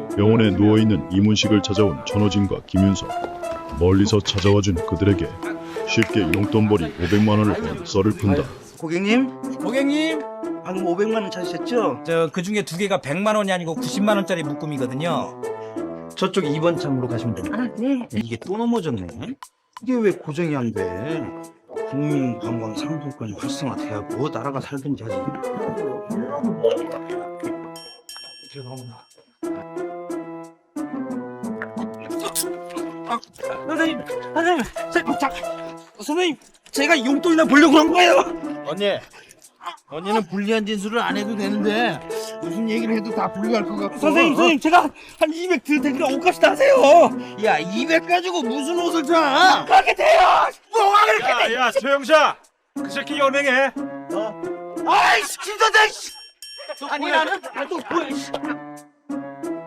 병원에 누워있는 이문식을 찾아온 천호진과 김윤석. 멀리서 찾아와준 그들에게 쉽게 용돈벌이 500만 원을 번 썰을 푼다. 고객님, 방금 500만 원 찾으셨죠? 저 그 중에 두 개가 100만 원이 아니고 90만 원짜리 묶음이거든요. 저쪽 2번 창으로 가시면 됩니다. 네. 이게 또 넘어졌네. 이게 왜 고정이 안 돼? 국민관광 상품권이 활성화돼야 뭐 나라가 살든지 하지. 죄송합니다. 선생님, 제가 용돈이나 보려고 한 거예요. 언니는 불리한 진술을 안 해도 되는데 무슨 얘기를 해도 다 불리할 것 같고. 선생님, 제가 한 200 드릴 테니까 옷값이 다 하세요. 야, 200 가지고 무슨 옷을 사? 가게 돼요. 뭐가 그렇게 돼? 야, 소영자! 그 새끼 연행해! 아이씨, 김 선생! 아니, 나는 나도